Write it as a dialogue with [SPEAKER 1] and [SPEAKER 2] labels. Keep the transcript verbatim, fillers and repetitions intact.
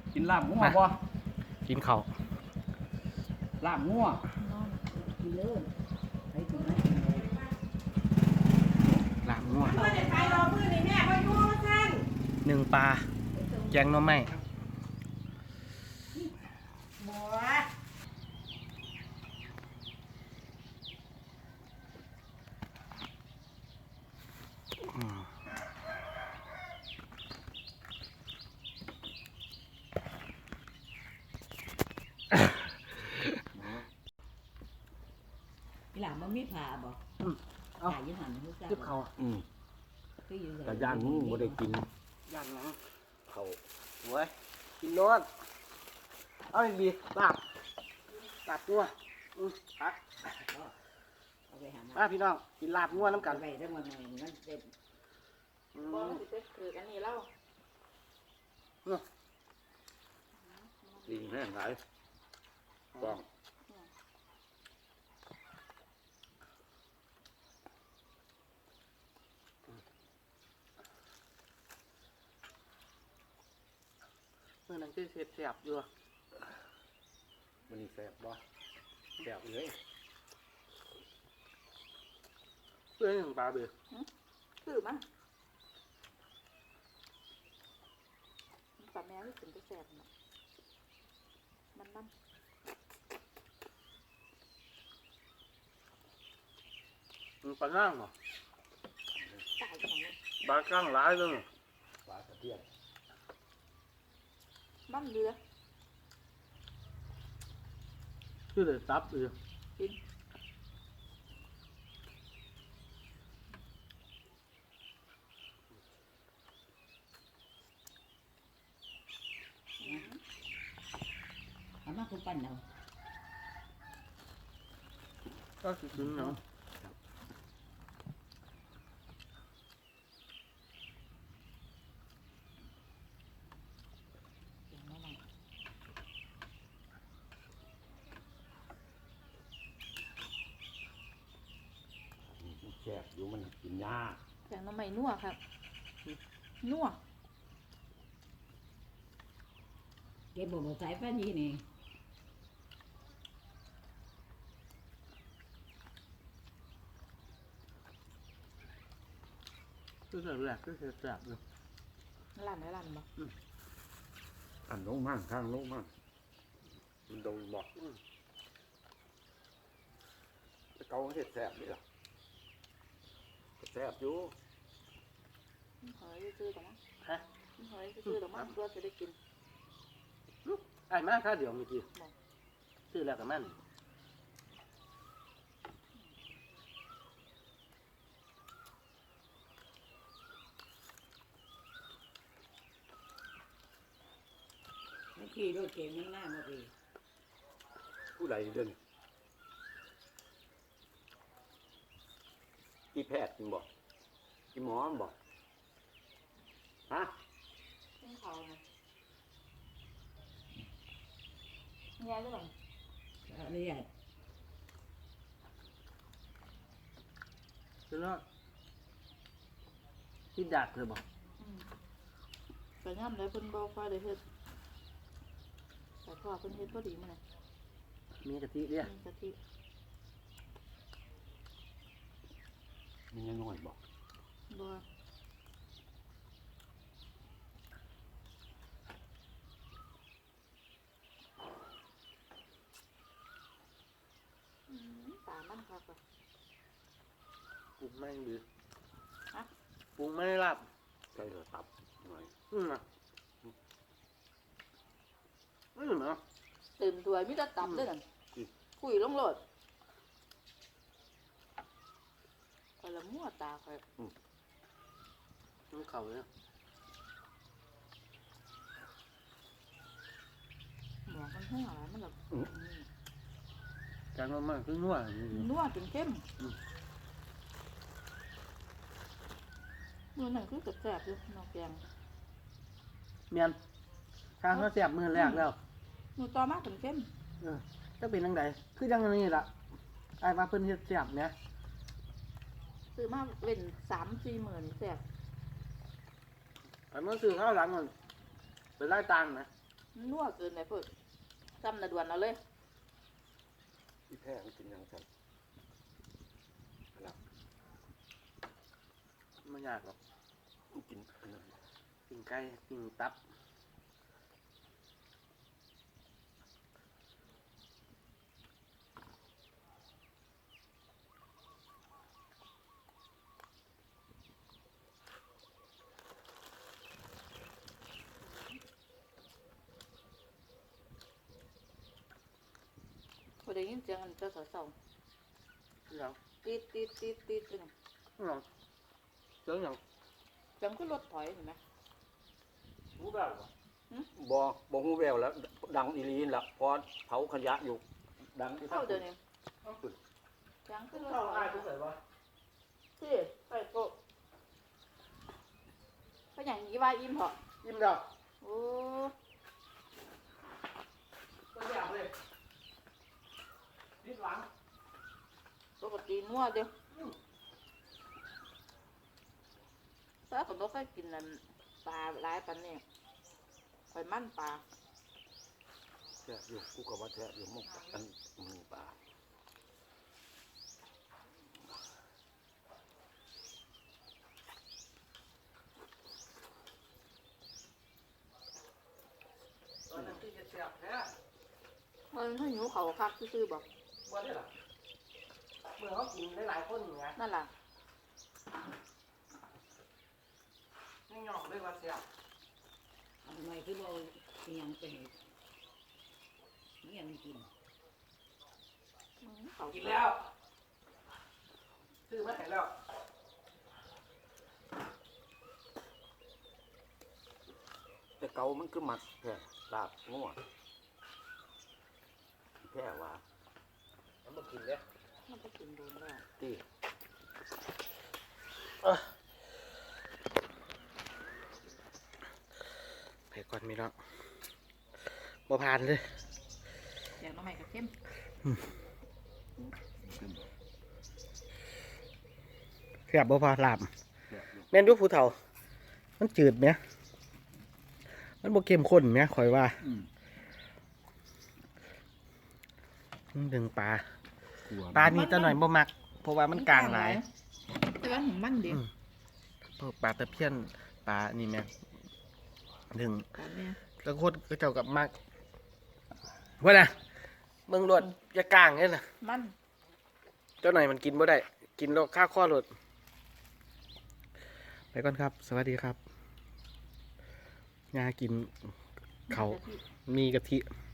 [SPEAKER 1] กินลาบงัวบ่
[SPEAKER 2] กินข้าว
[SPEAKER 1] ลาบงัว
[SPEAKER 3] กินเลยไปถึงไหน
[SPEAKER 2] ลาบงัว
[SPEAKER 3] เพื่อนจะไปรอเพื่อนนี่แม่ก็ยุ่งท่าน
[SPEAKER 2] หนึ่งปลาแกงหน่อไม้
[SPEAKER 3] บัวหลังมันมีผ่าบ่ผ่ายี่หันทุกอย่าง
[SPEAKER 2] เก็บเขาอืม
[SPEAKER 1] แต่ย่างมึงบ่ได้กิน
[SPEAKER 2] ย่างหนัง
[SPEAKER 1] เขา
[SPEAKER 2] โว้ยกินรสเอาอีกดีลาบลาบงัวอืมพัก
[SPEAKER 3] เอาไปหา
[SPEAKER 2] มาพี่น้องกินลาบงัวน้ำกัน
[SPEAKER 3] ไปได้มาหน่อยมันเต็ม
[SPEAKER 2] อืม
[SPEAKER 3] บ่สิไปคือกันนี่แล้ว
[SPEAKER 1] ลิงแห้งหลายต้อง
[SPEAKER 2] เมื่อนั้นคือเสียบเสียบอยู่
[SPEAKER 1] มันนี่แซ่บบ่แซ่บเลย
[SPEAKER 2] เพื่อนของปลาเบือ
[SPEAKER 4] คือมั้งปลาแมวที่ถึงจะแสบเนาะมันมัน
[SPEAKER 2] มันปลานั่งเหรอ
[SPEAKER 4] ตายอย่างนี้
[SPEAKER 2] ปลาก้างหลายเลย
[SPEAKER 1] ปลาตะเพียน
[SPEAKER 4] มันเรือ
[SPEAKER 2] คือเลยตับเลย
[SPEAKER 4] กิน
[SPEAKER 3] เอามาคุณปั้นเอา
[SPEAKER 2] ก็คือถึงเนาะ
[SPEAKER 4] อย่างนั้นน่ะ
[SPEAKER 1] แซ่บอยู่มันกินยาก
[SPEAKER 4] แกงน้ำไม่นัวครับนัว
[SPEAKER 3] เก็บบ่บ่ใส่ป้านี่นี่
[SPEAKER 2] คือแบบแรกก็คือแสบเลย
[SPEAKER 4] ลั่นไว้ลั่นบ่
[SPEAKER 1] อันลงมั่งข้างลงมั่งมันโดนบอกจะเกาเห็ดแซ่บนี่หรอแซ่บอยู่
[SPEAKER 4] เฮ้ยซื้อแต่มั้ง
[SPEAKER 2] ฮะ
[SPEAKER 4] เฮ้ยซื้อแต่มั้งเพื่อจะได้กิน
[SPEAKER 2] ไอ้มาค่าเดี๋ยวมีกี่ซื้อแล้วกับมัน
[SPEAKER 3] ไม่ขี่รถเก่งข้างหน้ามาปี
[SPEAKER 1] ผู้ใดเดินกี่แพทย์จริงบอกกี่หมอบอกฮะ
[SPEAKER 4] กินเขาไงแง่หรือเปล่า
[SPEAKER 3] อะไรอ่ะ
[SPEAKER 2] คือแล้วที่ดักเลยบอก
[SPEAKER 4] อืมแต่ย่ำเลยเพิ่นบ่ค่อยได้เฮ็ดแต่พ่อเพิ่นเฮ็ดพอดีมื้อนี้
[SPEAKER 2] มีกะทิเนี่ย
[SPEAKER 4] มีกะทิ
[SPEAKER 1] มันยังน้อยบอก
[SPEAKER 4] บ่อืมตามันคักอ่ะ
[SPEAKER 2] ปรุงไม่ดี
[SPEAKER 4] ฮะ
[SPEAKER 2] ปรุงไม่รับ
[SPEAKER 1] ใส่ระตับหน่อย
[SPEAKER 2] อืมอ่ะอืมเนาะ
[SPEAKER 4] เต็มถ้วยมีแต่ตับเด้อนั่นคุยลงโลดข่อยละมั่วตาข่อย
[SPEAKER 2] มันเข่าเลย
[SPEAKER 4] หมอกมันแห้งอะไรมันแบบ
[SPEAKER 2] การมันมากคือนัวนี่
[SPEAKER 4] นัวจนเข้มมือหนังคือแสบๆอยู่นอกแกง
[SPEAKER 2] เมียนข้างเขาแสบมือแรกแล้ว
[SPEAKER 4] มือต่อมากจนเข้ม
[SPEAKER 2] เออจะเป็นยังไงคือยังนี่ล่ะไอ้มาเพิ่นเฮ็ดแสบเนี่ย
[SPEAKER 4] ซื้อมาเว้นสามสี่หมื่นแสบ
[SPEAKER 2] ไอ้เมื่อซื้อข้าวหลังมันเป็นไล่ตังค์นะ
[SPEAKER 4] อนัวเกินเลยเพิ่นจำนาด่วนเอาเลย
[SPEAKER 1] ที่แพ้มันกินยังไง
[SPEAKER 2] ไม่ยากหรอก
[SPEAKER 1] มันกินอันนั้น
[SPEAKER 2] ปิ้งไก่ปิ้งตับ
[SPEAKER 4] พอได้ยินเสียงอันเจ้าสาว
[SPEAKER 2] ยัง
[SPEAKER 4] ๆตีดตีดตีดตีดเป็น
[SPEAKER 2] ยังเจ้ายัง
[SPEAKER 4] จังก็รถถอยเห็นไหม
[SPEAKER 2] รู้แบบ
[SPEAKER 1] บ่บ่ฮู้แววแล้ว ดังอีหลีนละพอเผาขยะอยู่ ดังที่
[SPEAKER 4] เข้าเดี๋ยวนี้
[SPEAKER 1] สุด
[SPEAKER 4] จังก็รถ
[SPEAKER 2] เข้า
[SPEAKER 4] ถอ
[SPEAKER 2] ง่าย
[SPEAKER 4] ย
[SPEAKER 2] ทุกสายวะ
[SPEAKER 4] ที่ไปโต๊ะไปอย่างนี้ว่าอิ่มเหรอ
[SPEAKER 2] ยิ้มแล้ว
[SPEAKER 4] โอ้
[SPEAKER 2] ตัวอย่างเลยนิดหลัง
[SPEAKER 4] ปกตินัวเดียวถ้าผมต้องเคยกินนั่นปลาหลายปันนี่ข่อยมั่นปลา
[SPEAKER 1] แท้อยู่กูก็ว่าแท้อยู่หมกอันหมูป่า
[SPEAKER 2] ตอนนั้นที่จะเสียบแท้
[SPEAKER 4] เฮ้ยถ้าหิวเขาคักซื่อๆบอก
[SPEAKER 2] ว่าได้หรอเมื่อเขากินได้หลายคนอย่างเงี้ย
[SPEAKER 4] นั่นล่ะ
[SPEAKER 2] ไม่ยอมเลยว่าเสียบ
[SPEAKER 3] เอาทำไมคือเราเสียงไปเห็ดนี่ยังกิน
[SPEAKER 4] อืมเขา
[SPEAKER 2] กินแล้วซื้อมาให้แล้ว
[SPEAKER 1] แต่เกามันคือหมักแท้ลาบงัวแท้ว่า
[SPEAKER 2] มันมากินเลย
[SPEAKER 4] มันไปกินโดนแล้ว
[SPEAKER 1] ที่
[SPEAKER 2] ไปก่อนมีน้องบ่ผ่านเลย
[SPEAKER 4] อยากน้ำใหม่กับเข้ม
[SPEAKER 2] เสียบบ่พอลาบ
[SPEAKER 1] แท้อยู่
[SPEAKER 2] แม่นดูผู้เฒ่า มันจืดไหมมันบ่เข้มข้นไหมข่อยว่า
[SPEAKER 1] อืม
[SPEAKER 2] มันดึงปลา
[SPEAKER 1] กลัว
[SPEAKER 2] ปลานี่ตะหน่อยบ่มัก เพราะว่ามันกลางหลาย
[SPEAKER 4] แต่ว่าของมันดี
[SPEAKER 2] อืม พวกปลาตะเพียนปลานี่แม่ดึง
[SPEAKER 4] ปลาเนี่ย
[SPEAKER 2] แล้วโคตรก็เจ้ากับมักว่าน่ะเมืองรวดอย่ากลางเนี่ยน่ะ
[SPEAKER 4] มัน
[SPEAKER 2] เจ้าหน่อยมันกินบ่ได้ กินแล้วค่าข้อรถไปก่อนครับ สวัสดีครับยากินเขาวมีกะทิ
[SPEAKER 4] ม